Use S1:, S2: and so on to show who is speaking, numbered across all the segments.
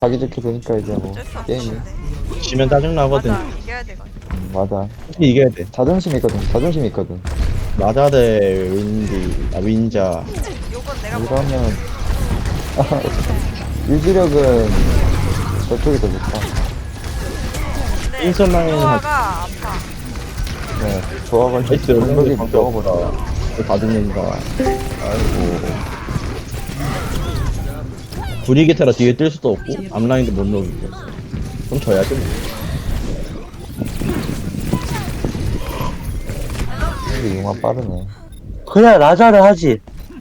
S1: 자기 좋게 되니까 이제 뭐
S2: 어쩔 수 없어.
S1: 게임이
S3: 지면 짜증나거든.
S2: 맞아, 이겨야 되거든.
S1: 맞아.
S3: 솔직히 이겨야 돼.
S1: 자존심 있거든. 자존심 있거든.
S3: 라자 대 윈자.
S2: 요건 내가 먹어.
S1: 이러면 유지력은 저쪽이 더 좋다.
S2: 근데
S3: 인선 라인은
S2: 조화가 아파.
S1: 네, 조합을
S3: 나이스.
S1: 공격이
S3: 방금
S1: 먹어보다.
S3: 다 죽는다. 아이고. 브리게타라 뒤에 뜰 수도 없고 앞라인도 못 녹이고. 그럼 져야지 뭐.
S1: 근데 융화 빠르네.
S4: 그냥 라자를 하지.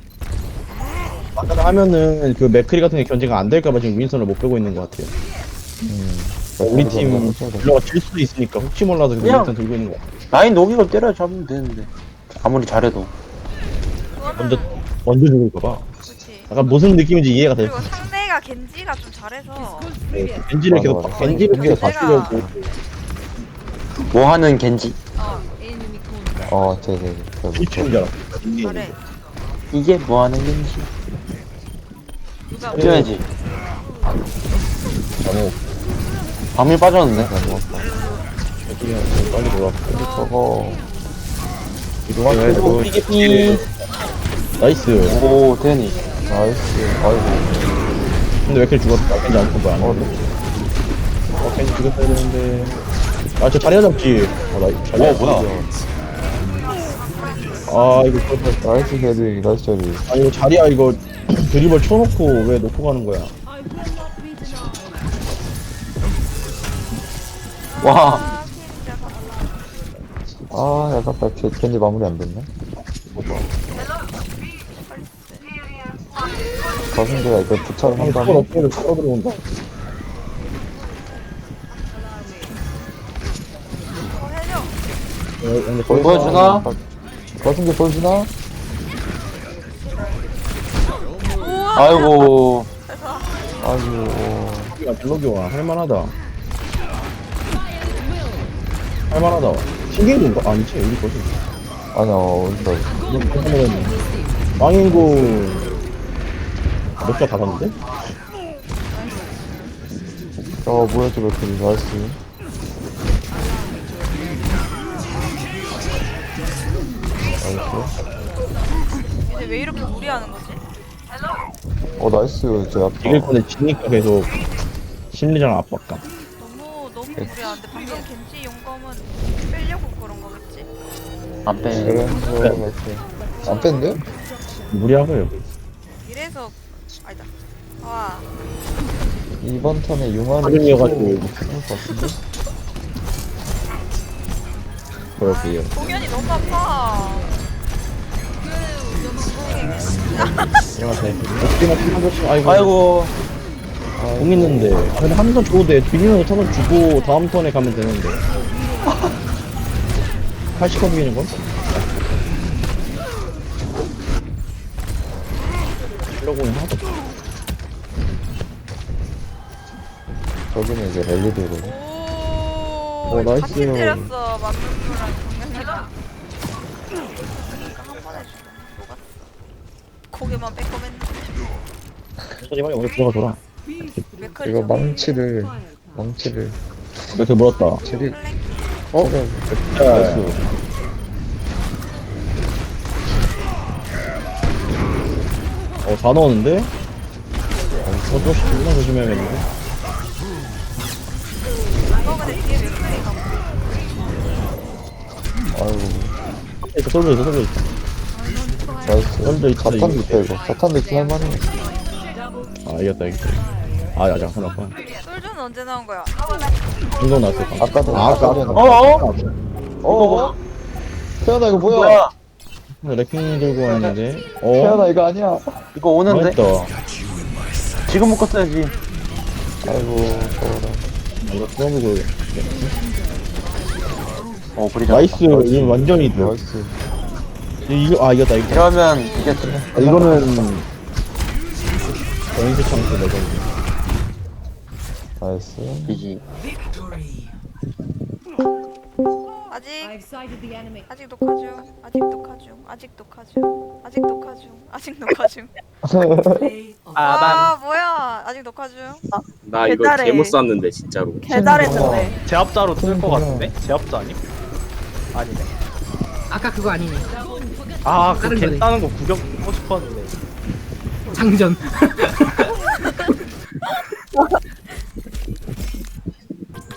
S3: 라자 하면은 그 맥크리 같은 게 견제가 안 될까봐 지금 윈선을 못 빼고 있는 것 같아요. 우리 팀 딜러가 질 수도 있으니까 혹시 몰라서 그
S4: 그냥-
S3: 윈선 들고 있는 것 같아.
S4: 라인 녹이고 때려 잡으면 되는데. 아무리 잘해도.
S3: 먼저
S2: 그거는
S3: 먼저 죽을까봐.
S2: 그렇지.
S3: 약간 무슨 느낌인지 이해가 돼.
S2: 그리고 상대가 겐지가 좀 잘해서
S3: 겐지를
S1: 맞아,
S3: 계속
S1: 맞아.
S3: 겐지를 계속
S2: 내가-
S3: 바꾸려고.
S4: 뭐 하는 겐지.
S1: 되게
S3: 미치는 줄 알았어.
S2: 잘해.
S4: 이게 뭐 하는 겐지.
S2: 누가
S4: 뛰어야지.
S3: 잠옷.
S4: 밤이 빠졌는데.
S3: 빨리 돌아.
S1: 저거
S3: 이동하고
S4: 삐.
S3: 나이스.
S4: 오, 데니.
S1: 나이스. 아이고.
S3: 근데 왜 이렇게 죽었다? 겐지 안 뽑아. 겐지 죽였어야 되는데. 저 자리야 잡지. 자리야.
S4: 뭐야.
S3: 이거
S1: 나이스 자리. 나이스 자리.
S3: 이거 자리야 이거 드리블 쳐놓고 왜 놓고 가는 거야?
S4: 와.
S2: 아, 진짜
S1: 아깝다. 겐지 마무리 안 됐네. 가슴대가 이거 부착을 한
S3: 스콜
S1: 다음에
S3: 업계를 끌어 들어온다.
S2: 해줘.
S4: 보여주나?
S1: 가슴대 보여주나?
S2: 우와.
S4: 아이고.
S1: 아이고.
S3: 야, 딜러기와 할만하다. 할만하다. 신기한 건가? 아니지, 우리 거지.
S1: 아니야, 어디다.
S3: 망인구 몇자 받았는데?
S1: 뭐야, 저거, 나이스. 나이스.
S2: 근데 왜 이렇게 무리하는 거지?
S1: 나이스. 저
S3: 이길
S1: 아파.
S3: 건데 지니까 계속 심리적 압박감.
S2: 너무 무리하는데 방금 겐지 용검은 빼려고 그런 거겠지?
S4: 안 빼.
S1: 그래서, 맞지. 안 뺐는데?
S3: 무리하고요.
S2: 이래서 아니다. 와.
S1: 이번 턴에 융화를
S3: 확인이어가지고.
S1: 할것 같은데?
S3: 그렇게요.
S2: 공연이 너무 아파.
S3: 안녕하세요. 어떻게나 한 번씩, 아이고.
S4: 아이고.
S3: 공 있는데. 근데 한 턴 줘도 돼. 비니는 턴을 주고 다음 턴에 가면 되는데. 80번 비기는 건? 이러고는 하도.
S1: 저기는 이제 랠리대로.
S2: 오.
S3: 나이스.
S2: 같이 때렸어. 만명수랑 공연이랑. 그러니까 한 번에 녹았어. 고개만 빼꼼했는데.
S3: 천천히 빨리 오늘 들어가줘라.
S2: 맥컬이
S1: 이거 망치를
S3: 이렇게 물었다.
S1: 체리
S3: 나이스. 다 넣었는데? 조금씩 존나 조심해야겠는데?
S2: 이거 근데 뒤에 맥컬이가
S1: 아이고
S3: 있어, 솔져 있어, 솔져 있어.
S1: 나이스.
S3: 솔져 있어.
S1: 자탄도 있다 이거. 자탄도 있긴 할만해.
S3: 이겼다, 이겼다. 잠깐만.
S2: 솔저는 언제 나온 거야?
S3: 운동 나왔어.
S1: 아까도
S3: 아까.
S1: 태연아 이거 뭐야?
S4: 뭐야?
S3: 레킹 들고 왔는데.
S1: 태연아 이거 아니야.
S4: 이거 오는데?
S3: 했다.
S4: 지금 묶었어야지.
S1: 아이고 저거라.
S3: 이거 써보고.
S4: 브리자.
S3: 나이스. 이거 완전히 돼.
S1: 나이스.
S3: 이겼다, 이겼다.
S4: 이러면 이겼지.
S3: 이거는. 전인수 창수 레전드.
S1: 나이스.
S4: 이지.
S2: 아직 녹화 중. 아직 녹화 중. 아직 녹화 중. 아직 녹화 중. 아직 녹화 중. 아 뭐야? 아직 녹화 중.
S5: 나 이거
S2: 개잘해.
S5: 개못 쐈는데 진짜로.
S2: 개잘했는데.
S6: 제압자로 뜰 것 같은데? 제압자 아님? 아니네.
S7: 아까 그거 아니네.
S6: 아, 그
S7: 다른 거네.
S6: 개 따는 거 구경 보고 싶었는데.
S7: 장전.